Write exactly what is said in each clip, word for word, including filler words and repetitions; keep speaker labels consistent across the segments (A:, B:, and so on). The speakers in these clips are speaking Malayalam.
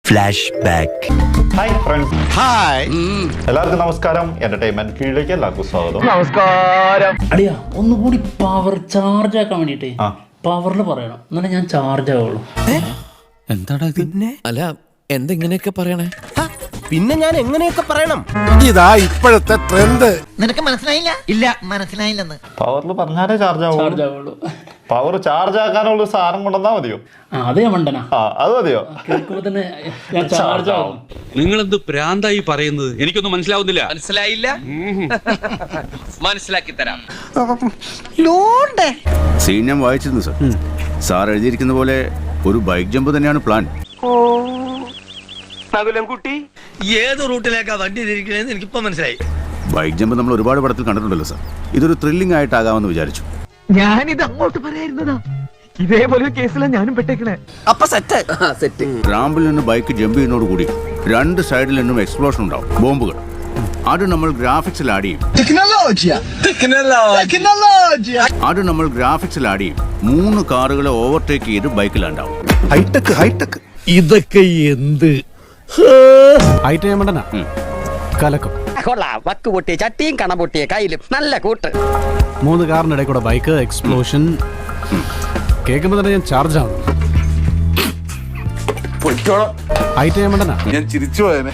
A: Flash back.
B: Hi friends.
C: Hi
B: എല്ലാവർക്കും നമസ്കാരം. എന്റർടൈൻമെന്റ് കീഴിലേക്ക് എല്ലാവർക്കും സ്വാഗതം.
D: നമസ്കാരം.
E: അടിയാ ഒന്നുകൂടി പവർ ചാർജ് ആക്കാൻ വേണ്ടിട്ട്
B: ആ.
E: പവറിൽ പറയണം, എന്നാലും ഞാൻ ചാർജ് ആവുള്ളൂ.
C: എന്താടാ പിന്നെ?
F: അല്ല എന്തെങ്ങനെയൊക്കെ പറയണേ?
C: പിന്നെ ഞാൻ എങ്ങനെയൊക്കെ പറയണം? ഇതാ ഇപ്പോഴത്തെ ട്രെൻഡ്.
D: നിനക്ക് മനസ്സിലായില്ല? ഇല്ല മനസ്സിലായില്ലെന്ന്.
B: പവറിൽ പറഞ്ഞാലേ ചാർജ് ആവും.
E: ചാർജ് ആവുള്ളൂ.
B: പവർ ചാർജ് ആക്കാനുള്ള ഒരു സാധനം കൊണ്ടുവന്നാ മതിയോ?
E: ആ അതേ മണ്ടനാ,
B: ആ അത് മതിയോ?
E: കേൾക്കുമ്പോ തന്നെ ഞാൻ ചാർജ് ആവും.
G: നിങ്ങളെന്ത് പ്രാന്തായി പറയുന്നത്? എനിക്കൊന്നും മനസ്സിലാവുന്നില്ല.
F: മനസ്സിലായില്ല? മനസ്സിലാക്കി തരാം.
H: സീൻ ഞാൻ വായിച്ചിരുന്നു സാർ. സാർ എഴുതിയിരിക്കുന്ന പോലെ ഒരു ബൈക്ക് ജമ്പ് തന്നെയാണ് പ്ലാൻ.
F: കുട്ടി ഏത് റൂട്ടിലേക്കാ വണ്ടി തിരിക്കണേന്ന് എനിക്കിപ്പോ മനസ്സിലായി.
H: ബൈക്ക് ജമ്പ് നമ്മൾ ഒരുപാട് പടത്തിൽ കണ്ടിട്ടുണ്ടല്ലോ സാർ. ഇതൊരു ത്രില്ലിംഗ് ആയിട്ടാകാമെന്ന് വിചാരിച്ചു.
D: ഞാനിത് അങ്ങോട്ട് പറയായിരുന്നതാ. ഇതേപോലെ കേസിലാണ് ഞാനും പെട്ടേക്കണേ.
F: അപ്പൊ സെറ്റ് സെറ്റ്.
H: റാമ്പിൽ നിന്ന് ബൈക്ക് ജമ്പ് ചെയ്യുന്നതോട് കൂടി രണ്ട് സൈഡിൽ നിന്നും എക്സ്പ്ലോഷൻ ഉണ്ടാവും, ബോംബുകൾ. അത് നമ്മൾ ഗ്രാഫിക്സിൽ ആഡ് ചെയ്യും അത് നമ്മൾ ഗ്രാഫിക്സിൽ ആഡ് ചെയ്യും മൂന്ന് കാറുകളെ ഓവർടേക്ക് ചെയ്ത് ബൈക്കിലുണ്ടാവും.
C: Hi tech hi tech.
I: ഇതൊക്കെ എന്ത് ഹൈറ്റേമണ്ടനാ കലക്കം.
F: കൊള്ളാം. വക്ക് പൊട്ടിയ ചട്ടിയും കണ പൊട്ടിയ കയ്യിലും നല്ല കൂട്ട്.
I: മൂന്ന് കാറിനിടയിൽ കൂടെ ബൈക്ക് എക്സ്പ്ലോഷൻ കേൾക്കുമ്പോ തന്നെ ഞാൻ ചാർജ് ആവും. ഹൈറ്റേമണ്ടനാ
C: ഞാൻ ചിരിച്ചു പോയനെ.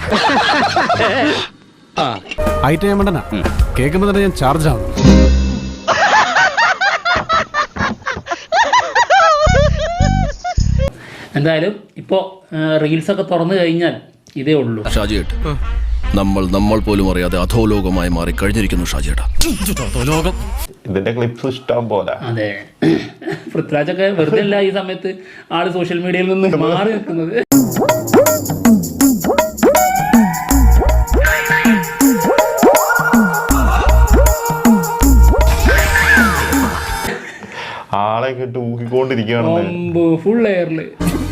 I: ഹൈറ്റേമണ്ടനാ കേൾക്കുമ്പോ തന്നെ ഞാൻ ചാർജ് ആവും.
E: എന്തായാലും ഇപ്പോ റീൽസ് ഒക്കെ തുറന്നു കഴിഞ്ഞാൽ ഇതേ ഉള്ളൂ.
F: ഷാജിയേട്ട്, നമ്മൾ നമ്മൾ പോലും അറിയാതെ അധോലോകമായി മാറി കഴിഞ്ഞിരിക്കുന്നു ഷാജിയേട്ടാ.
B: ഇതിന്റെ ക്ലിപ്സ് ഇഷ്ടം പോലെ.
E: അതെ, പൃഥ്വിരാജൊക്കെ വെറുതെ അല്ല ഈ സമയത്ത് ആള് സോഷ്യൽ മീഡിയയിൽ നിന്ന് മാറി നിൽക്കുന്നത്.
B: ആളെ കിട്ട് ഊഹിക്കൊണ്ടിരിക്കുകയാണെന്ന്.
E: ഫുൾ എയറില്.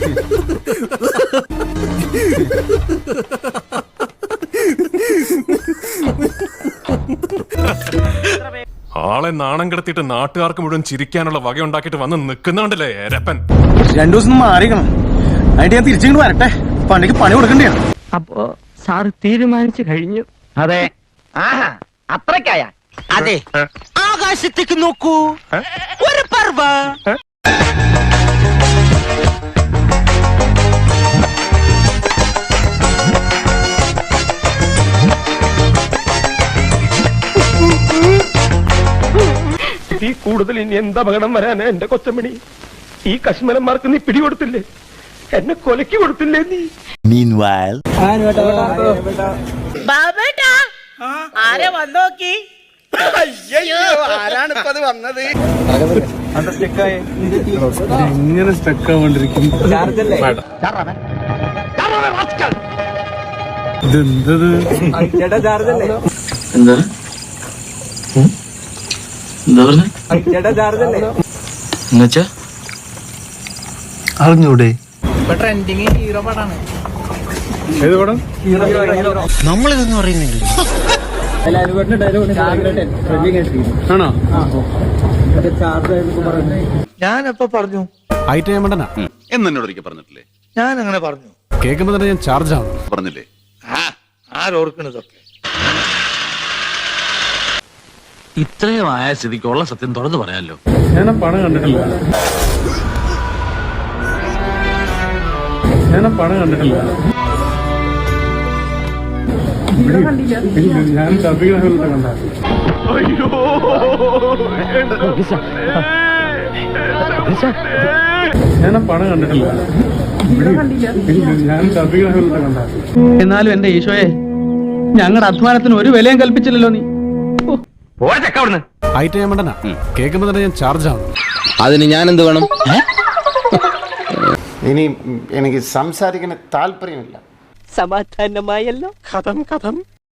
J: ആളെ നാണം കിടത്തിയിട്ട് നാട്ടുകാർക്ക് മുഴുവൻ ചിരിക്കാനുള്ള വക ഉണ്ടാക്കിയിട്ട് വന്ന് നിൽക്കുന്നുണ്ടല്ലേ രപ്പൻ.
C: രണ്ടു ദിവസം മാറിക്കണം. അതിന്റെ ഞാൻ തിരിച്ചിങ്ങോട്ട് വരട്ടെ. പണിക്ക് പണി കൊടുക്കണ്ടേ?
D: അപ്പോ സാറ് തീരുമാനിച്ചു കഴിഞ്ഞു.
F: അതെ. ആഹാ, അത്രക്കായ. അതെ, ആകാശത്തേക്ക് നോക്കൂ, ഒരു പർവ.
D: ഈ കൂടുതൽ ഇനി എന്താ അപകടം വരാനാ എന്റെ കൊച്ചമണി? ഈ കശ്മലന്മാർക്ക് നീ പിടികൊടുത്തില്ലേ? എന്നെ കൊലക്ക് കൊടുത്തില്ലേ നീ?
A: Meanwhile,
I: എങ്ങനെ സ്റ്റക്ക് ആവാണ്ടിരിക്കും? ഇതെന്തത്?
C: അറിഞ്ഞൂടെ?
I: ഏത് പടം?
C: നമ്മളിതൊന്നും അറിയുന്നില്ല.
I: ആണോ?
D: ഞാനപ്പോ പറഞ്ഞു.
I: ഹൈറ്റേമണ്ടനാ
H: എന്നോട് ഒരിക്കൽ പറഞ്ഞിട്ടില്ലേ?
D: ഞാൻ അങ്ങനെ പറഞ്ഞു.
I: കേൾക്കുമ്പോ തന്നെ ഞാൻ ചാർജ് ആവും.
H: പറഞ്ഞില്ലേ?
D: ആരോർക്കണതൊക്കെ
G: ഇത്രയും ആയ സ്ഥിതിക്കുള്ള സത്യം തുറന്നു പറയാലോ.
I: ഞാൻ ആ പണം കണ്ടിട്ടില്ല. ഞാൻ ആ പണം കണ്ടിട്ടില്ല. ഞാൻ ഡബിങ്ങിനകത്ത് കണ്ട. ഞാൻ ആ പണം കണ്ടിട്ടില്ല. ഞാൻ ഡബിങ്ങിനകത്ത് കണ്ട.
D: എന്നാലും എന്റെ ഈശോയെ, ഞങ്ങളുടെ അധ്വാനത്തിന് ഒരു വിലയും കൽപ്പിച്ചില്ലല്ലോ നീ.
I: ഹൈറ്റേമണ്ടനാ കേൾക്കുമ്പോ തന്നെ ഞാൻ ചാർജ് ആവും.
F: അതിന് ഞാൻ എന്ത് വേണം?
C: ഇനി എനിക്ക് സംസാരിക്കാൻ താല്പര്യമില്ല.
D: സമാധാനമായല്ലോ. കഥം കഥം